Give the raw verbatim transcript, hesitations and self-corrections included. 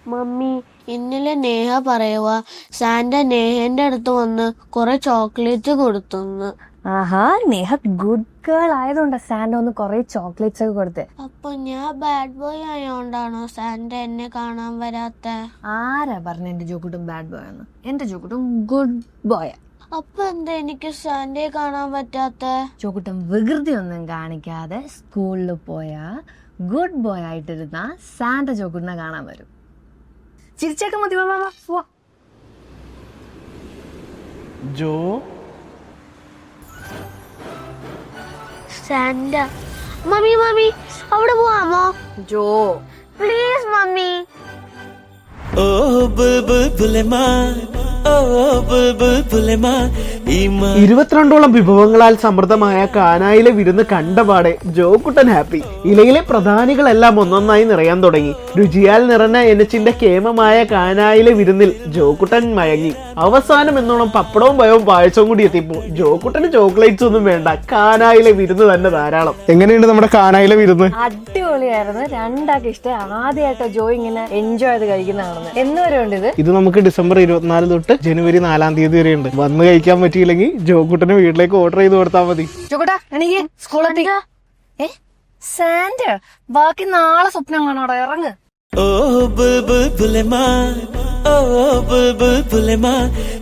Mummy, ഇന്നലെ നേഹ പറയുക Santa നേഹന്റെ അടുത്ത് വന്ന് കുറെ ചോക്ലേറ്റ് കൊടുത്തെന്ന്. ആഹാ, നേഹ ഗുഡ് ഗേൾ ആയതുകൊണ്ടാ സാന്റ ഒന്ന് കൊറേ ചോക്ലേറ്റ്സ് ഒക്കെ കൊടുത്തേ. അപ്പൊ ഞാൻ ബാഡ് ബോയ് ആയോണ്ടാണോ സാന്റ എന്നെ കാണാൻ വരാത്ത? ആരാ പറഞ്ഞ എന്റെ ജോക്കുട്ടും ബാഡ് ബോയ് ആണ്? എന്റെ ജോക്കുട്ടും ഗുഡ് ബോയ്. അപ്പൊ എന്താ എനിക്ക് സാന്റയെ കാണാൻ പറ്റാത്ത? ജോക്കുട്ടം വികൃതി ഒന്നും കാണിക്കാതെ സ്കൂളിൽ പോയാ ഗുഡ് ബോയ് ആയിട്ടിരുന്ന സാന്റ ജോക്കുട്ടിനെ കാണാൻ വരും. ചിരിച്ചേക്ക മതി. ജോ സാന്റ. മമ്മി മമ്മി അവിടെ പോവാമോ? ജോ പ്ലീസ് മമ്മി. ഓ ബുൽബുൽ ബുലമാൻ, ഓ ബുൽബുൽ ബുലമാൻ. ഇരുപത്തിരണ്ടോളം വിഭവങ്ങളാൽ സമൃദ്ധമായ കാനായിലെ വിരുന്ന് കണ്ടപാടെ ജോക്കുട്ടൻ ഹാപ്പി. ഇലയിലെ പ്രധാനികളെല്ലാം ഒന്നൊന്നായി നിറയാൻ തുടങ്ങി. രുചിയാൽ നിറഞ്ഞ എനച്ചിന്റെ കേമമായ കാനായിലെ വിരുന്നിൽ ജോക്കുട്ടൻ മയങ്ങി. അവസാനം എന്നോണം പപ്പടവും പയവും പായസവും കൂടി എത്തിയപ്പോൾ ജോക്കുട്ടന് ചോക്ലേറ്റ്സ് ഒന്നും വേണ്ട, കാനായിലെ വിരുന്ന് തന്നെ ധാരാളം. എങ്ങനെയുണ്ട് നമ്മുടെ കാനായിലെ വിരുന്ന്? അടിപൊളിയായിരുന്നു. രണ്ടാൾക്ക് ഇഷ്ടം. ആദ്യമായിട്ടോ ജോ ഇങ്ങനെ എൻജോയ് ചെയ്ത് കഴിക്കുന്നതാണെന്ന്. എന്ന് വരെ ഉണ്ട് ഇത്. ഇത് നമുക്ക് ഡിസംബർ ഇരുപത്തിനാല് തൊട്ട് ജനുവരി നാലാം തീയതി വരെ ഉണ്ട്. വന്ന് കഴിക്കാൻ പറ്റിയില്ലെങ്കിൽ ജോക്കുട്ടന് വീട്ടിലേക്ക് ഓർഡർ ചെയ്ത് കൊടുത്താൽ മതി. ജോക്കുട്ടാ എനിക്ക് സ്കൂളെത്തി. ഏ സാന്റ, ബാക്കി നാളെ സ്വപ്നം കാണാടാ. ഇറങ്ങ്. ഓ ബുൽബുൽ ബുലമാൻ, ഓ ബുൽബുൽ ബുലമാൻ.